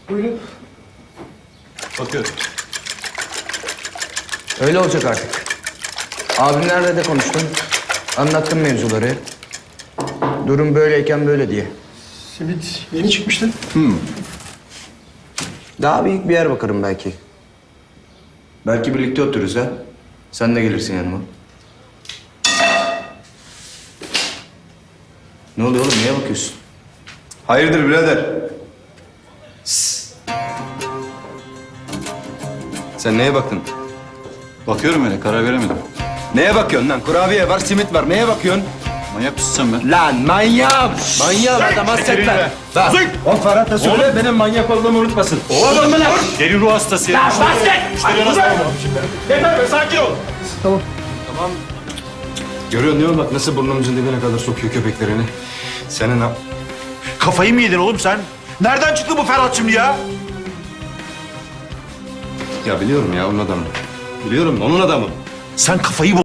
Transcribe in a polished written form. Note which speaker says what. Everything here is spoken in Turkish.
Speaker 1: Buyurun.
Speaker 2: Bakıyorum.
Speaker 3: Öyle olacak artık. Abimlerle de konuştum. Anlattım mevzuları. Durum böyleyken böyle diye.
Speaker 1: Simit yeni çıkmıştı.
Speaker 3: Daha büyük bir yer bakarım belki. Belki birlikte otururuz ha. Sen de gelirsin yanıma. Ne oluyor oğlum? Niye bakıyorsun?
Speaker 2: Hayırdır birader?
Speaker 3: Sen neye baktın?
Speaker 2: Bakıyorum öyle, karar veremedim.
Speaker 3: Neye bakıyorsun lan? Kurabiye var, simit var. Neye bakıyorsun?
Speaker 2: Manyak mısın sen be?
Speaker 3: Lan manyağım! Manyağım adam hasretler. Bak, o Ferhat'a söyle benim manyak olduğumu unutmasın.
Speaker 2: Oğlum mu lan? Deli ruh hastası ya.
Speaker 1: Yeter be sakin ol.
Speaker 3: Görüyorsun değil mi bak nasıl burnumuzun dibine kadar sokuyor köpeklerini. Senin ha...
Speaker 4: Kafayı mı yedin oğlum sen? Nereden çıktı bu Ferhat şimdi ya?
Speaker 3: Ya biliyorum ya onun adamı. Biliyorum onun adamı.
Speaker 4: Sen kafayı